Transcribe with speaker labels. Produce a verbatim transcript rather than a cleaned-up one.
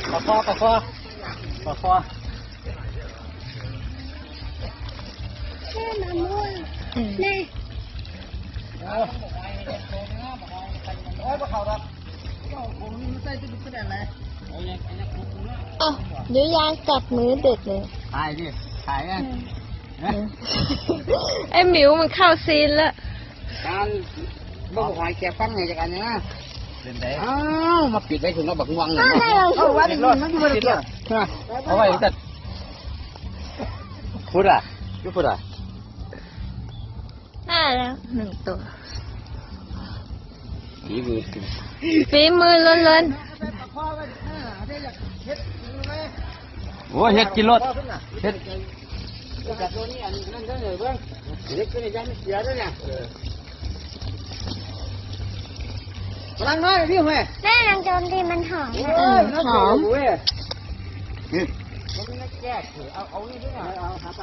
Speaker 1: ปะคอปะคอปะคอ
Speaker 2: แม่มาม่วงแม่
Speaker 1: โอ้ยปะเขาครับผมไม่ใช่ตุ๊กตาอะไร
Speaker 3: อ๋อเดี๋ยวยางกัดมือเด็กเลย
Speaker 1: ถ่ายดิถ่ายไง
Speaker 3: ไอ้หมิวมันเข้าซีนแล้ว
Speaker 1: การบ่หอยแกฟังไงจากอันนี้นะเป็นไงอ้าวมาปิดไว้ถึงเราบักงวงเลยเอาไว้ดิมันอยู่บนเรือเอาไว้แต่พูดอ่ะยุพูดอ่ะ
Speaker 3: ได้แล้วหนึ่งตัว
Speaker 1: ฝีมือ
Speaker 3: ฝีมือล้วน
Speaker 1: โอ้เฮ็ดกินรถเฮ็ดจากตัวนี้อันนั้นเด้อเบิ่งเฮ็ดตัวนี้ยังเสียด้วยเนี่ยพลังน้อยพี่แม่
Speaker 2: แม่ลองโจมตีมันหอม
Speaker 3: ๆหอม
Speaker 1: นี่มันไม่แก้เอาเอานี่ด้วยเอา